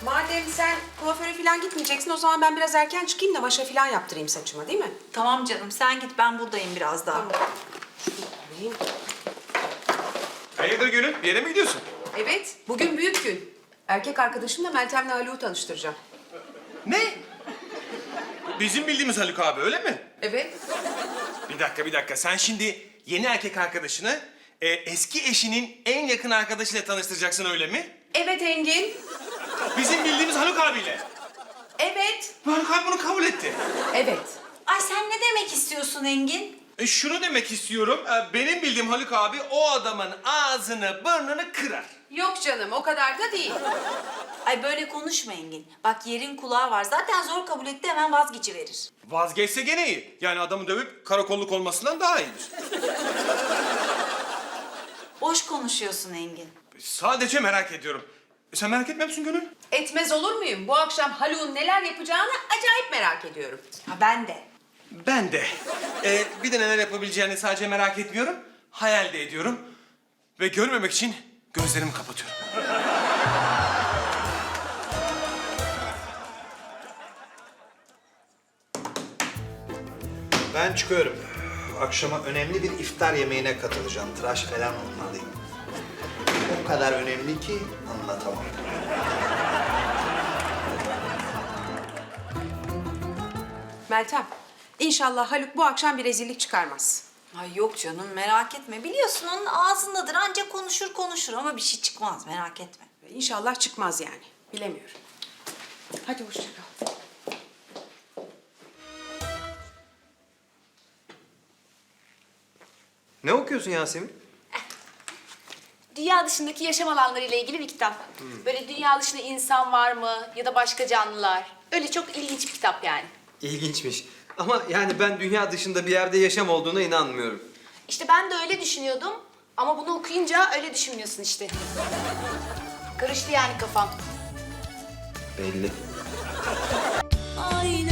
Madem sen kuaföre falan gitmeyeceksin, o zaman ben biraz erken çıkayım da maşa falan yaptırayım saçıma, değil mi? Tamam canım, sen git, ben buradayım biraz daha. Tamam. Şunu alayım. Hayırdır Gönül? Bir yere mi gidiyorsun? Evet, bugün büyük gün. Erkek arkadaşımla Meltem'le Haluk'u tanıştıracağım. Ne? Bizim bildiğimiz Haluk abi öyle mi? Evet. Bir dakika. Sen şimdi yeni erkek arkadaşını eski eşinin en yakın arkadaşıyla tanıştıracaksın öyle mi? Evet Engin. Bizim bildiğimiz Haluk abiyle. Evet. Haluk abi bunu kabul etti. Evet. Ay sen ne demek istiyorsun Engin? Şunu demek istiyorum. Benim bildiğim Haluk abi o adamın ağzını burnunu kırar. Yok canım, o kadar da değil. Ay böyle konuşma Engin. Bak yerin kulağı var. Zaten zor kabul etti, hemen vazgeçiverir. Vazgeçse gene iyi. Yani adamı dövüp karakolluk olmasından daha iyidir. Boş konuşuyorsun Engin. Sadece merak ediyorum. Sen merak etmiyor musun Gönül? Etmez olur muyum? Bu akşam Haluk'un neler yapacağını acayip merak ediyorum. Ha ben de. Ben de. Bir de neler yapabileceğini sadece merak etmiyorum. Hayal de ediyorum. Ve görmemek için gözlerimi kapatıyorum. Ben çıkıyorum. Akşama önemli bir iftar yemeğine katılacağım. Tıraş falan olmalıyım. O kadar önemli ki anlatamam. Meltem, inşallah Haluk bu akşam bir rezillik çıkarmaz. Ay yok canım, merak etme. Biliyorsun onun ağzındadır. Ancak konuşur ama bir şey çıkmaz, merak etme. İnşallah çıkmaz yani. Bilemiyorum. Hadi hoşça kal. Ne okuyorsun Yasemin? Dünya dışındaki yaşam alanları ile ilgili bir kitap. Böyle dünya dışında insan var mı ya da başka canlılar. Öyle çok ilginç bir kitap yani. İlginçmiş. Ama yani ben dünya dışında bir yerde yaşam olduğuna inanmıyorum. İşte ben de öyle düşünüyordum ama bunu okuyunca öyle düşünmüyorsun işte. Karıştı yani kafam. Belli. Aynı